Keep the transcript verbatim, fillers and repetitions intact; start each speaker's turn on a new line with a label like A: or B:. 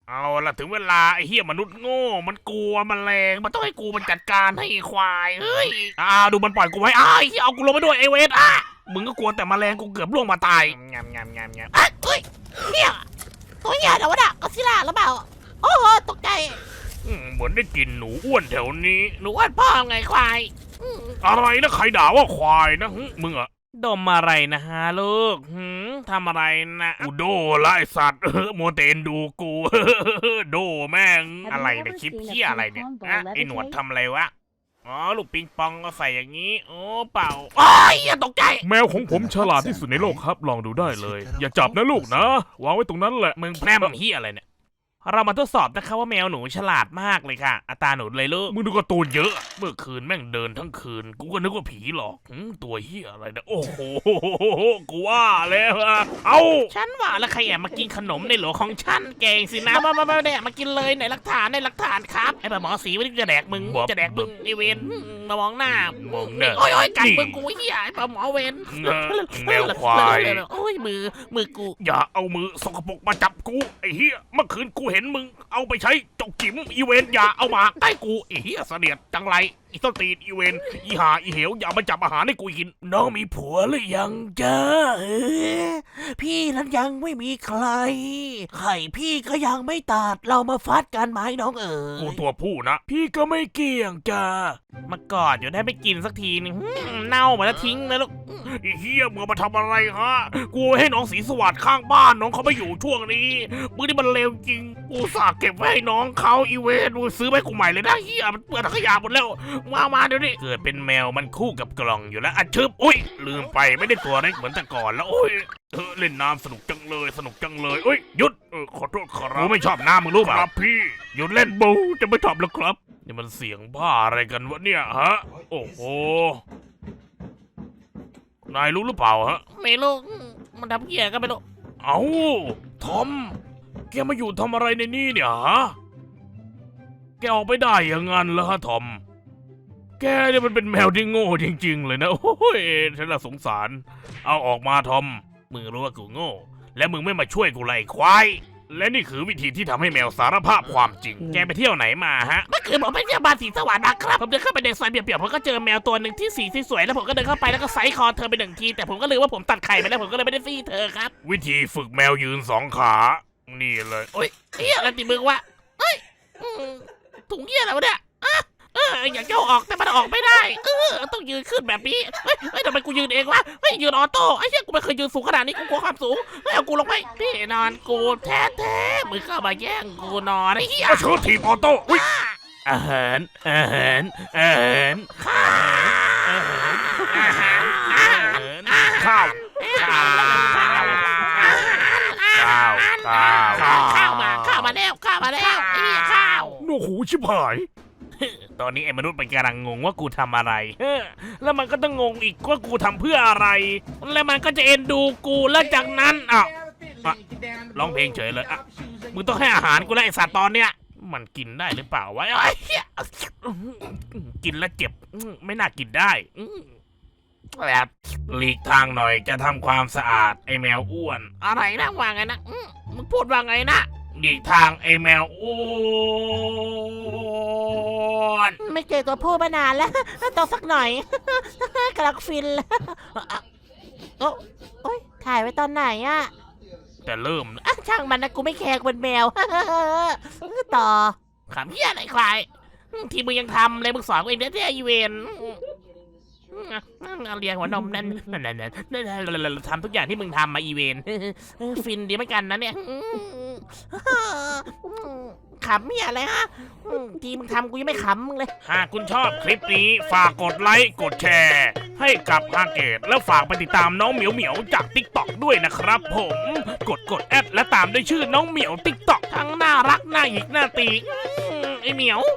A: เอาละถึงเวลาไอ้เหี้ยมนุษย์โง่มันกลัวแมลงมันต้องให้กูมันจัดการให้ควายเฮ้ยอ่าดูมันปล่อยกูไว้อ้าวเหี้ยเอากูลงไปด้วยไอเวทอ่ะมึงก็กลัวแต่แมลงกูเกือบล่วงมาตายงามงามงามงาม
B: อ่ะเฮ้ยเนี่ยตัวใหญ่แล้ววะน่ะก็ซิล่าหรือเปล่าโอ้โหตกใจ
A: เหมือนได้กินหนูอ้วนแถวนี้
B: หนูอ้วนพ่อไงควาย
A: อะไรนะใครด่าว่าควายนะมึงอะดมอะไรนะฮะลูกหืมทำอะไรนะกูโดละไอสัตว์โมเตนดูกูโดแม่งอะไรเนี่ยคลิปเหี้ยอะไรเนี่ยอะไอหนวดทำอะไรวะอ๋อลูกปิงปองก็ใส่อย่างนี้โอ้เปล่าโอ้ยอย่าตกใจแมวของผมฉลาดที่สุดในโลกครับลองดูได้เลยอย่าจับนะลูกนะวางไว้ตรงนั้นแหละมึงแพร่มเหี้ยอะไรเนี่ยเรามาทดสอบนะคะว่าแมวหนูฉลาดมากเลยค่ะอัตราหนูเลยลูกมึงดูการ์ตูนเยอะเมื่อคืนแม่งเดินทั้งคืนกูก็นึกว่าผีหลอกตัวเหี้ยอะไรนะโอ้โหกูว่าแล้วอะเอ้าฉันว่าแล้วใครแอบมากินขนมในโหลของฉันเก่งสินะมามามาเนี่ยมากินเลยไหนหลักฐานในหลักฐานครับไอ้หมอสีวันนี้จะแดกมึงจะแดกมึงไอเวนมามองหน้ามองหน้าโอ้ยโอ้ยกัดมึงกูเหี้ยไอ้หมอเวนแมวควายโอ้ยมือมือกูอย่าเอามือสกปรกมาจับกูไอ้เหี้ยเมื่อคืนกูเห็นมึงเอาไปใช้จกจิ๋มอีเวนอย่าเอามาใกล้กูไอ้เหี้ยเสนียดจังไรอีต้นตีนอีเวนอีหาอีเหวอย่ามาจับอาหารให้กูกินน้องมีผัวหรือยังจ้าเออพี่นั้นยังไม่มีใครไข่พี่ก็ยังไม่ตัดเรามาฟัดกันไหมน้องเอ๋ยกูตัวผู้นะพี่ก็ไม่เกี่ยงจ้ามากอดอยู่ได้ไม่กินสักทีนึงเน่ามาแล้วทิ้งนะลูกไอ้เหี้ยมึงมาทำอะไรฮะกูให้น้องสีสวัสดิ์ข้างบ้านน้องเขาไม่อยู่ช่วงนี้มึงนี่มันเลวจริงกูฝากเก็บไว้ให้น้องเขาอีเวนมึงซื้อไปกูใหม่เลยนะเหี้ยมันเปื้อนขยะหมดแล้วมามาเดี๋ยวนี้เกิดเป็นแมวมันคู่กับกล่องอยู่แล้วอ่ะชึบอุ้ยลืมไปไม่ได้ตัวเล็กเหมือนแต่ก่อนแล้วโอ้ยเออเล่นน้ำสนุกจังเลยสนุกจังเลยเอ้ยหยุดเออขอโทษครับกูไม่ชอบน้ำมึงรู้ป่ะครับพี่หยุดเล่นบูจะไม่ชอบแล้วครับนี่มันเสียงบ้าอะไรกันวะเนี่ยฮะโอ้โหนายรู้หรือเปล่าฮะ
B: ไม่รู้มันทำเหี้ยก็ไม่รู้
A: เอ้าทอมแกมาอยู่ทำอะไรในนี่เนี่ยฮะแกออกไปได้ยังงั้นเหรอฮะทอมแกเนี่ยมันเป็นแมวที่โง่จริงๆเลยนะโอ้ยฉันละสงสารเอาออกมาทอมมึงรู้ว่ากูโง่และมึงไม่มาช่วยกูไล่ควายและนี่คือวิธีที่ทำให้แมวสารภาพความจริงแกไปเที่ยวไหนมาฮะ
B: เมื่อคืนผมไปเที่ยวบ้านสีสว่างนะครับผมเดินเข้าไปในซอยเปียกๆผมก็เจอแมวตัวหนึ่งที่สีสวยแล้วผมก็เดินเข้าไปแล้วก็ไซส์คอเธอไปหนึ่งทีแต่ผมก็ลืมว่าผมตัดไข่ไปแล้วผมก็เลยไม่ได้ซี่เธอครับ
A: วิธีฝึกแมวยืนสองขานี่เลย
B: โอ้ยเฮียอะไรติมึงวะเฮ้ยถุงเฮียอะไรวะเนี่ยเอออยากจะออกแต่มันออกไม่ได้เออต้องยืนขึ้นแบบนี้เฮ้ยเฮ้ยทำไมกูยืนเองวะเฮ้ยยืนออโต้ไอ้เหี้ยกูไม่เคยยืนสูงขนาดนี้กูกลัวความสูงเฮ้ยเอากูลงไปพี่นอนกูแท้แท้มึงเข้ามาแย่งกูนอนไอ้เหี้ย
A: เชิญทีมออโต้อุ้ยอาหารอาหารอาหาร
B: ข้าว
A: อาหารอาหารข้าวข้าวข้าวข้าวข้าว
B: ข้าวมาข้าวมาแล้วข้าวมาแล้วไอ้ข้าว
A: โอ้โหชิบหายตอนนี้ไอ้มนุษย์มันกำลังงงว่ากูทำอะไรแล้วมันก็ต้องงงอีกว่ากูทำเพื่ออะไรแล้วมันก็จะเอ็นดูกูแล้วจากนั้นอ่ะร้องเพลงเฉยเลยอ่ะมึงต้องให้อาหารกูแล้วไอ้สัตว์ตอนเนี้ยมันกินได้หรือเปล่าวะกินแล้วเจ็บไม่น่ากินได้แบบหลีกทางหน่อยจะทำความสะอาดไอ้แมวอ้วน
B: อะไรนะว่าไงนะมึงพูดว่าไงนะ
A: หลีกทางไอ้แมวอ้วน
B: ไม่เจอตัวผู้มานานแล้วต้องสักหน่อยกำลังฟินแล้วโอ้โอ้ยถ่ายไว้ตอนไหนอะ
A: แต่เริ่ม
B: อ่ะช่างมันนะกูไม่แคร์เป็นแมวต่อขำเหี้ยอะไรควายที่มึงยังทำเลยมึงสอนกูเองได้ที่อีเวนเรียงหัวนมนั่นนั่นนั่นนั่นทำทุกอย่างที่มึงทำมาอีเวนฟินดีเหมือนกันนะเนี่ยขำเนี่ยอะไรฮะทีมึงทำกูยังไม่ขำมึงเลย
A: หากคุณชอบคลิปนี้ฝากกดไลค์กดแชร์ให้กับฮาเกตแล้วฝากไปติดตามน้องเหมียวเหมียวจากติ๊กต็อกด้วยนะครับผมกดกดแอดและตามด้วยชื่อน้องเหมียวติ๊กต็อกทั้งน่ารักน่าหยิกน่าตีไอเหมียว